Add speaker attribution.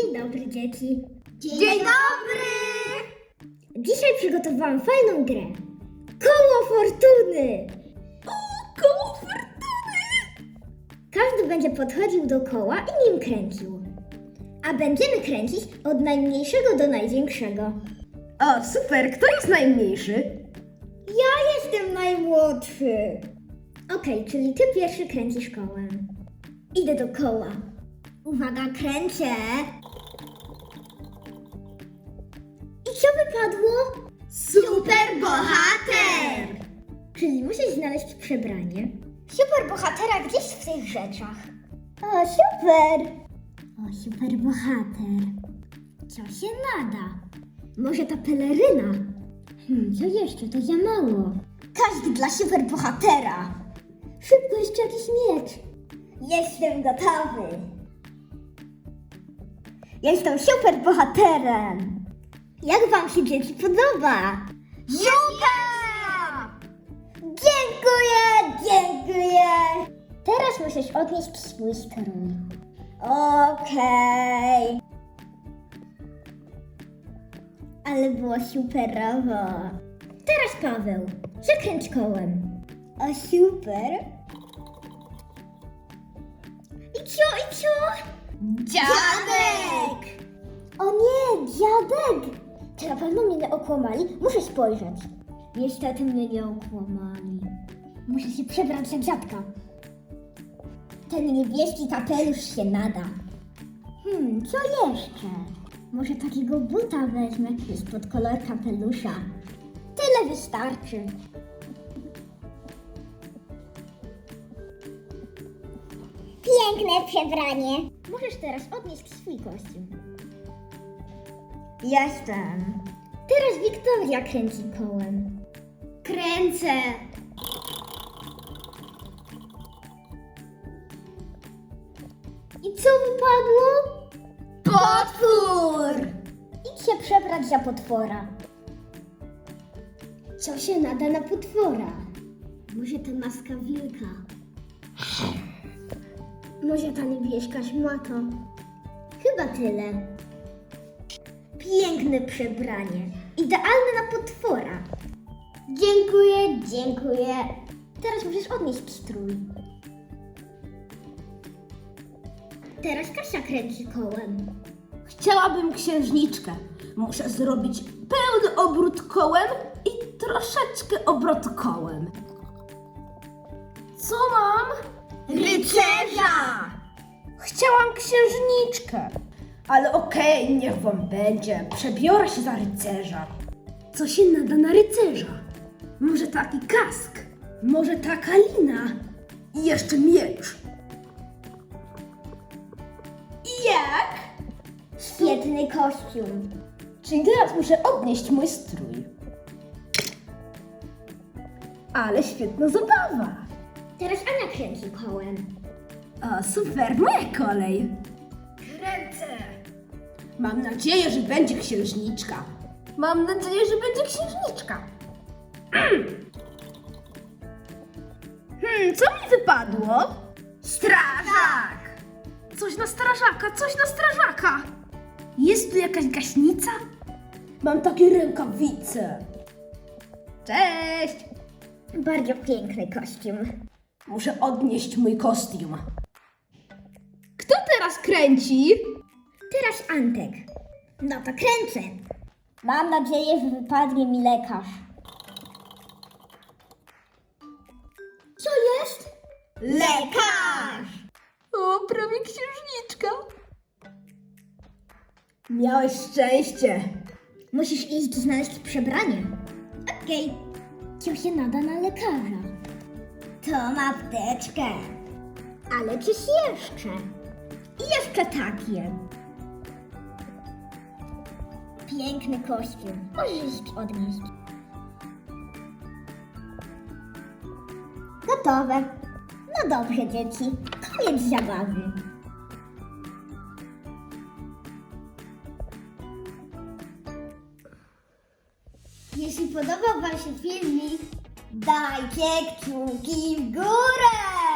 Speaker 1: Dzień dobry, dzieci.
Speaker 2: Dzień dobry!
Speaker 1: Dzisiaj przygotowałam fajną grę. Koło fortuny!
Speaker 2: Koło fortuny!
Speaker 1: Każdy będzie podchodził do koła i nim kręcił. A będziemy kręcić od najmniejszego do największego.
Speaker 2: O, super! Kto jest najmniejszy?
Speaker 1: Ja jestem najmłodszy. Okej, czyli ty pierwszy kręcisz kołem. Idę do koła. Uwaga, kręcę. I co wypadło?
Speaker 2: Super bohater!
Speaker 1: Czyli muszę znaleźć przebranie. Super bohatera gdzieś w tych rzeczach. O, super! O, super bohater. Co się nada? Może ta peleryna? Co jeszcze? To za mało. Każdy dla super bohatera. Szybko, jeszcze jakiś miecz. Jestem gotowy. Jestem super bohaterem. Jak wam się, dzieci, podoba?
Speaker 2: Super!
Speaker 1: Dziękuję! Teraz musisz odnieść swój strój. Okej. Ale było superowo. Teraz Paweł, zakręć kołem. O, super. I co?
Speaker 2: Dziadek!
Speaker 1: O nie, dziadek! Czy na pewno mnie nie okłamali? Muszę spojrzeć. Niestety mnie nie okłamali. Muszę się przebrać za dziadka. Ten niebieski kapelusz się nada. Co jeszcze? Może takiego buta wezmę, jest pod kolor kapelusza. Tyle wystarczy. Piękne przebranie. Możesz teraz odnieść swój kostium. Jestem. Teraz Wiktoria kręci kołem.
Speaker 2: Kręcę!
Speaker 1: I co wypadło?
Speaker 2: Potwór!
Speaker 1: Idź się przebrać za potwora. Co się nada na potwora? Może ta maska wilka? Może ta niebieska szmato? Chyba tyle. Piękne przebranie. Idealne na potwora. Dziękuję. Teraz musisz odnieść strój. Teraz Kasia kręci kołem.
Speaker 2: Chciałabym księżniczkę. Muszę zrobić pełny obrót kołem i troszeczkę obrót kołem. Co mam? Rycerza! Chciałam księżniczkę. Ale okej, niech wam będzie. Przebiorę się za rycerza. Co się nada na rycerza? Może taki kask? Może taka lina? I jeszcze miecz. I jak?
Speaker 1: Świetny kostium.
Speaker 2: Czyli teraz muszę odnieść mój strój. Ale świetna zabawa.
Speaker 1: Teraz Ania kręci kołem.
Speaker 2: O, super, moja kolej. Kręcę. Mam nadzieję, że będzie księżniczka. Mam nadzieję, że będzie księżniczka. Co mi wypadło? Strażak! Coś na strażaka! Jest tu jakaś gaśnica? Mam takie rękawice. Cześć!
Speaker 1: Bardzo piękny kostium.
Speaker 2: Muszę odnieść mój kostium. Kto teraz kręci?
Speaker 1: Teraz Antek. No to kręcę. Mam nadzieję, że wypadnie mi lekarz. Co jest?
Speaker 2: Lekarz! O, prawie księżniczka. Miałeś szczęście.
Speaker 1: Musisz iść znaleźć przebranie. Okej. Co się nada na lekarza? Tą apteczkę. Ale coś jeszcze. I jeszcze takie. Piękny kostium. Możesz odnieść. Gotowe. No dobrze, dzieci. Koniec zabawy. Jeśli podobał wam się filmik, dajcie kciuki w górę!